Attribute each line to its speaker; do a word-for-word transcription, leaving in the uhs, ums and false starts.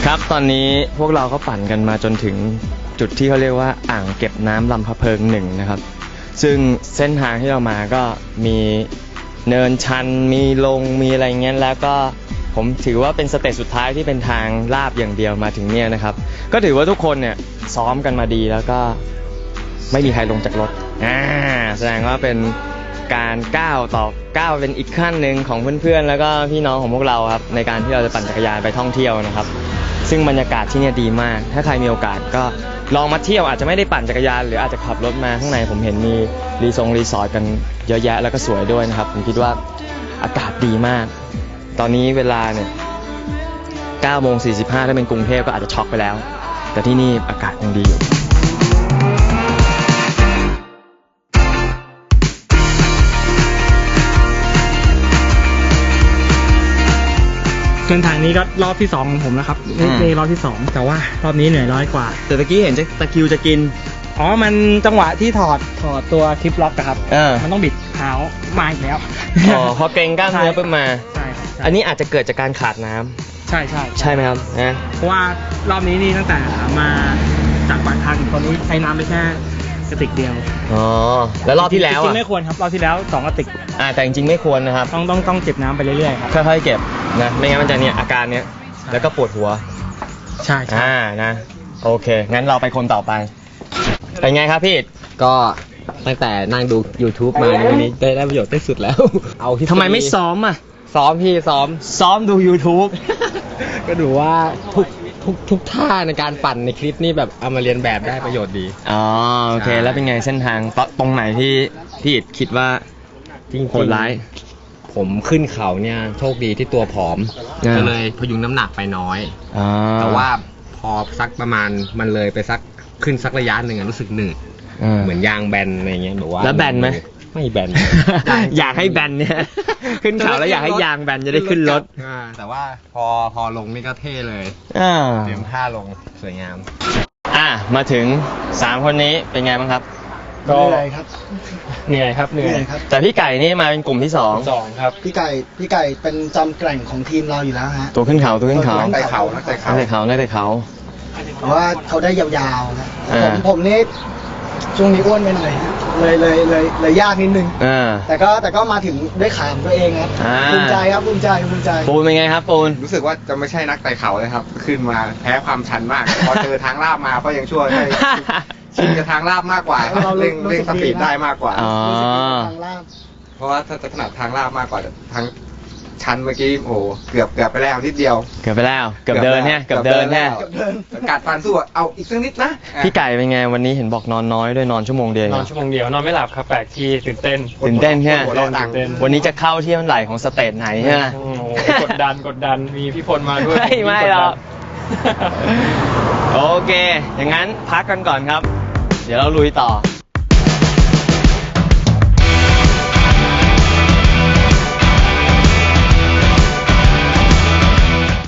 Speaker 1: ครับตอนนี้พวกเราก็ปั่นกันมาจนถึงจุดที่เขาเรียกว่าอ่างเก็บน้ำลำพะเพิงหนึ่งนะครับซึ่งเส้นทางที่เรามาก็มีเนินชันมีลงมีอะไรเงี้ยแล้วก็ผมถือว่าเป็นสเตจสุดท้ายที่เป็นทางลาบอย่างเดียวมาถึงเนี่ยนะครับก็ถือว่าทุกคนเนี่ยซ้อมกันมาดีแล้วก็ไม่มีใครลงจากรถอ่าแสดงว่าเป็นการก้าวต่อก้าวเป็นอีกขั้นหนึ่งของเพื่อนๆแล้วก็พี่น้องของพวกเราครับในการที่เราจะปั่นจักรยานไปท่องเที่ยวนะครับซึ่งบรรยากาศที่นี่ดีมากถ้าใครมีโอกาสก็ลองมาเที่ยวอาจจะไม่ได้ปั่นจักรยานหรืออาจจะขับรถมาข้างในผมเห็นมีรีสอร์ทรีสอร์ทกันเยอะแยะแล้วก็สวยด้วยนะครับผมคิดว่าอากาศดีมากตอนนี้เวลาเนี่ยเก้าโมงสี่สิบห้าถ้าเป็นกรุงเทพก็อาจจะช็อกไปแล้วแต่ที่นี่อากาศยังดีอยู่
Speaker 2: เส้นทางนี้ก็รอบที่สองของผมนะครับนี่รอบที่สองแต่ว่ารอบนี้เหนื่อยน้อยกว่า
Speaker 1: แต่ตะกี้เห็นจะตะคิวจะกิน
Speaker 2: อ๋อมันจังหวะที่ถอดถอดตัวคลิปล็อกครับ
Speaker 1: เออ
Speaker 2: มันต้องบิดเท้ามาอีกแล้ว
Speaker 1: อ๋อพอเกรงกล้ามเนื้อปุ๊บมา
Speaker 2: ใช่
Speaker 1: อันนี้อาจจะเกิดจากการขาดน้ำ
Speaker 2: ใช่ใช่
Speaker 1: ใช่ไหมครับนะ
Speaker 2: เพราะว่ารอบนี้นี่ตั้งแต่มาจากปากทางถึงตอนนี้ใช้น้ำไปแค่กระติกเดียว
Speaker 1: อ๋อแล้วรอบที่แล้ว
Speaker 2: จริงๆไม่ควรครับรอบที่แล้วสองกระติก
Speaker 1: อ่าแต่จริงๆไม่ควรนะครับ
Speaker 2: ต้องต้องต้องเก็บน้ำไปเรื่อยๆครับ
Speaker 1: ค่อยๆเก็บนะไม่งั้นมันจะเนี่ยอาการเนี้ยแล้วก็ปวดหัว
Speaker 2: ใช่
Speaker 1: อ่านะโอเคงั้นเราไปคนต่อไปเป็นไงครับพี่
Speaker 3: ก็ตั้งแต่นั่งดู YouTube มาในวันนี้ได้ได้ประโยชน์ที่สุดแล้วเอาที่
Speaker 1: ทำไมไม่ซ้อมอ่ะ
Speaker 3: ซ้อมพี่ซ้อม
Speaker 1: ซ้อมดู YouTube
Speaker 3: ก็ดูว่าทุกทุกทุกท่าในการปั่นในคลิปนี่แบบเอามาเรียนแบบได้ประโยชน์ดี
Speaker 1: อ๋อโอเคแล้วเป็นไงเส้นทางตรงไหนที่พี่อิดคิดว่า
Speaker 3: ที่โหดร้ายผมขึ้นเขาเนี่ยโชคดีที่ตัวผอมก็เลยพยุงน้ำหนักไปน้อยแต่ว่าพอสักประมาณมันเลยไปสักขึ้นสักระยะหนึ่งรู้สึกหนืดเหมือนยางแบนอะไรเงี้ยแบบว่า
Speaker 1: แล้วแบนไหม
Speaker 3: ไม่แบน
Speaker 1: อยากให้แบนเนี่ยขึ้นเขาแล้วอยากให้ยางแบนจะได้ขึ้นรถ
Speaker 3: แต่ว่าพอพอลงนี่ก็เท่เลยเตรียมท่าลงสวยงาม
Speaker 1: อ่ะมาถึงสามคนนี้เป็นไงบ้างครับ
Speaker 2: ก็เหนื่อยครับเหนื่อยครับเหนื่อย
Speaker 1: ครับแต่พี่ไก่นี่มาเป็นกลุ่มที่สอง
Speaker 2: สองครับ
Speaker 4: พี่ไก่พี่ไก่เป็นจอมแกร่งของทีมเราอยู่แล้วฮะ
Speaker 1: ตัวขึ้นเขาตัวขึ้นเขา
Speaker 3: นักไต่เขานักไต่เขา
Speaker 1: นักไต่เขานักไต่เขา
Speaker 4: เพราะว่าเขาได้ยาวๆนะผมผมนี่ช่วงนี้อ้วนไปหน่อยเลยเลยเลยเลยยากนิดนึงแต่ก็แต่ก็มาถึงด้วยขาของตัวเองครับภูมิใจครับภูมิใจภูมิใจ
Speaker 1: ปูนเป็นไงครับปูน
Speaker 3: รู้สึกว่าจะไม่ใช่นักไต่เขาเลยครับขึ้นมาแพ้ความชันมากพอเจอทางลาบมาก็ยังช่วยให้ชินกับทางลาบมากกว่าเร่งเร่งสปีดได้มากกว่าเพราะว่าถ้าจะถนัดทางลาบมากกว่าทางชันเมื่อกี้โอ้เกือบเกือบไปแล้วนิดเดียว
Speaker 1: เกือบไปแล้วเกือบเดินเนี่ยเกือบเดินเนี่ย
Speaker 3: กัดฟันสู้เอาอีกสักนิดนะ
Speaker 1: พี่ไก่เป็นไงวันนี้เห็นบอกนอนน้อยด้วยนอนชั่วโมงเดียวน
Speaker 2: อนชั่วโมงเดียวนอนไม่หลับครับแปลกที่ตื่นเต้น
Speaker 1: ตื่นเต้นแค่วันนี้จะเข้าที่เท่าไหร่ของสเตจไหนใช่ไหม
Speaker 2: กดดันกดดันมีพี่พลมาด้วย
Speaker 1: ไม่ไม่หรอกโอเคอย่างนั้นพักกันก่อนครับเดี๋ยวเราลุยต่อ